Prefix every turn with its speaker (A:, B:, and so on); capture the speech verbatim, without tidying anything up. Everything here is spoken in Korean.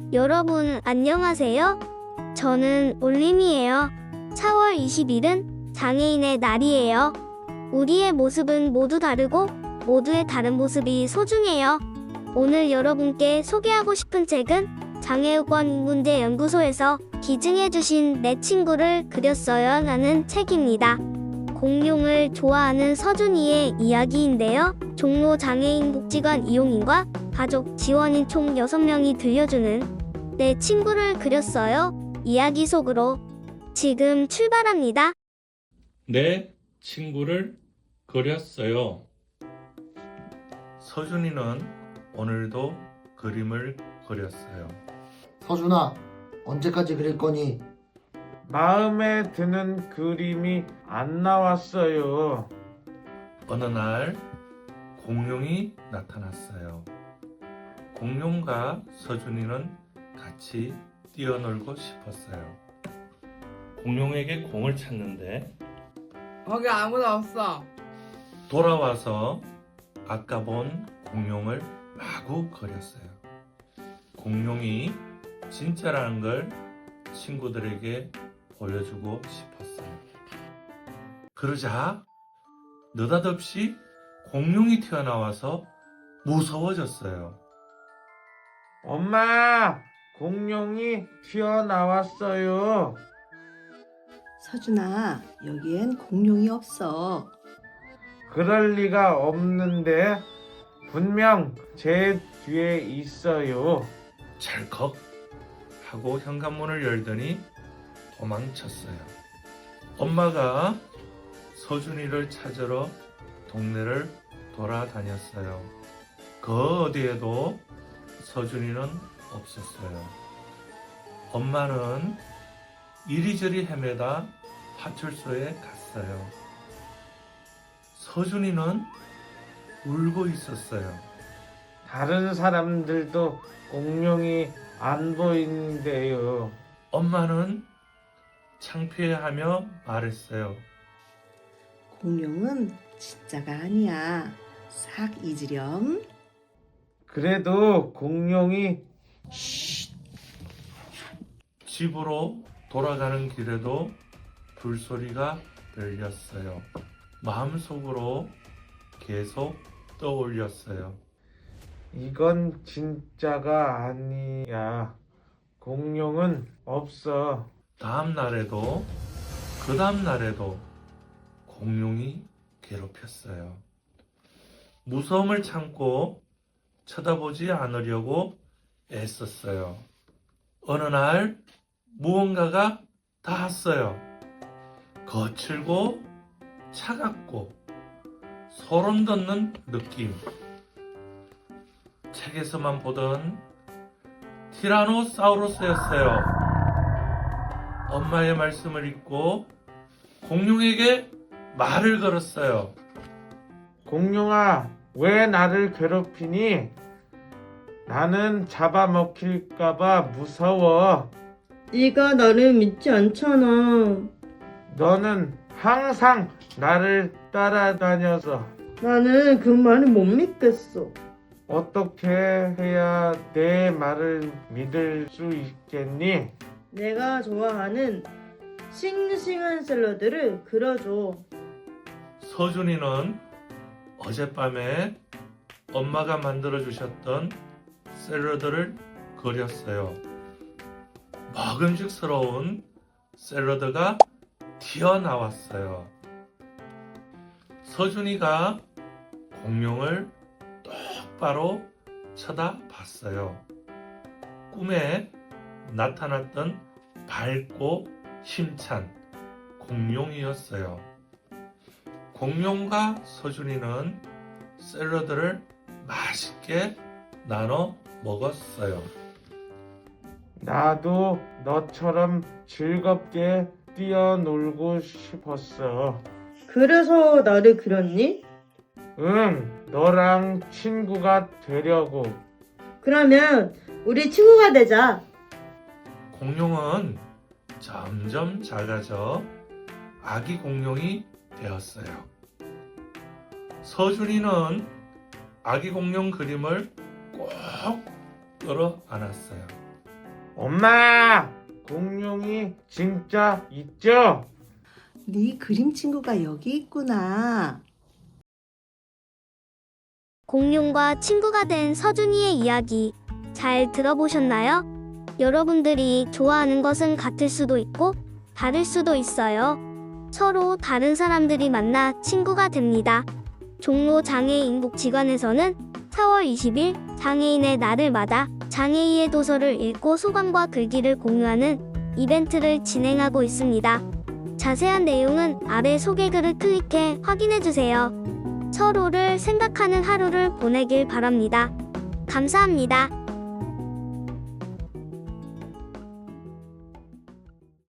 A: 여러분 안녕하세요. 저는 올림이에요. 사월 이십일은 장애인의 날이에요. 우리의 모습은 모두 다르고 모두의 다른 모습이 소중해요. 오늘 여러분께 소개하고 싶은 책은 장애우권문제연구소에서 기증해주신 내 친구를 그렸어요 라는 책입니다. 공룡을 좋아하는 서준이의 이야기인데요. 종로 장애인 복지관 이용인과 가족 지원인 총 여섯 명이 들려주는 내 친구를 그렸어요 이야기 속으로 지금 출발합니다.
B: 내 친구를 그렸어요. 서준이는 오늘도 그림을 그렸어요.
C: 서준아, 언제까지 그릴 거니?
D: 마음에 드는 그림이 안 나왔어요.
B: 어느 날 공룡이 나타났어요. 공룡과 서준이는 같이 뛰어놀고 싶었어요. 공룡에게 공을 찾는데
E: 거기 아무도 없어.
B: 돌아와서 아까 본 공룡을 마구 그렸어요. 공룡이 진짜라는 걸 친구들에게 보여주고 싶었어요. 그러자 느닷없이 공룡이 튀어나와서 무서워졌어요.
D: 엄마, 공룡이 튀어나왔어요.
F: 서준아, 여기엔 공룡이 없어.
D: 그럴 리가 없는데 분명 제 뒤에 있어요.
B: 찰컥 하고 현관문을 열더니 도망쳤어요. 엄마가 서준이를 찾으러 동네를 돌아다녔어요. 그 어디에도 서준이는 없었어요. 엄마는 이리저리 헤매다 파출소에 갔어요. 서준이는 울고 있었어요.
D: 다른 사람들도 공룡이 안 보이는데요.
B: 엄마는 창피해하며 말했어요.
F: 공룡은 진짜가 아니야. 싹 잊으렴.
D: 그래도 공룡이
B: 집으로 돌아가는 길에도 불소리가 들렸어요. 마음속으로 계속 떠올렸어요.
D: 이건 진짜가 아니야. 공룡은 없어.
B: 다음 날에도 그 다음 날에도 공룡이 괴롭혔어요. 무서움을 참고 쳐다보지 않으려고 애썼어요. 어느 날 무언가가 닿았어요. 거칠고 차갑고 소름 돋는 느낌. 책에서만 보던 티라노사우루스였어요. 엄마의 말씀을 잊고 공룡에게 말을 걸었어요.
D: 공룡아, 왜 나를 괴롭히니? 나는 잡아먹힐까봐 무서워.
G: 네가 나를 믿지 않잖아.
D: 너는 항상 나를 따라다녀서
G: 나는 그 말을 못 믿겠어.
D: 어떻게 해야 내 말을 믿을 수 있겠니?
G: 내가 좋아하는 싱싱한 샐러드를 그려줘.
B: 서준이는 어젯밤에 엄마가 만들어주셨던 샐러드를 그렸어요. 먹음직스러운 샐러드가 튀어나왔어요. 서준이가 공룡을 똑바로 쳐다봤어요. 꿈에 나타났던 밝고 힘찬 공룡이었어요. 공룡과 서준이는 샐러드를 맛있게 나눠 먹었어요.
D: 나도 너처럼 즐겁게 뛰어놀고 싶었어.
G: 그래서 나를 그렸니?
D: 응, 너랑 친구가 되려고.
G: 그러면 우리 친구가 되자.
B: 공룡은 점점 작아져 아기 공룡이 되었어요. 서준이는 아기 공룡 그림을 꼭 끌어 안았어요.
D: 엄마! 공룡이 진짜 있죠?
F: 네 그림 친구가 여기 있구나.
A: 공룡과 친구가 된 서준이의 이야기 잘 들어보셨나요? 여러분들이 좋아하는 것은 같을 수도 있고 다를 수도 있어요. 서로 다른 사람들이 만나 친구가 됩니다. 종로 장애인복지관에서는 사월 이십일 장애인의 날을 맞아 장애인의 도서를 읽고 소감과 글귀를 공유하는 이벤트를 진행하고 있습니다. 자세한 내용은 아래 소개글을 클릭해 확인해주세요. 서로를 생각하는 하루를 보내길 바랍니다. 감사합니다.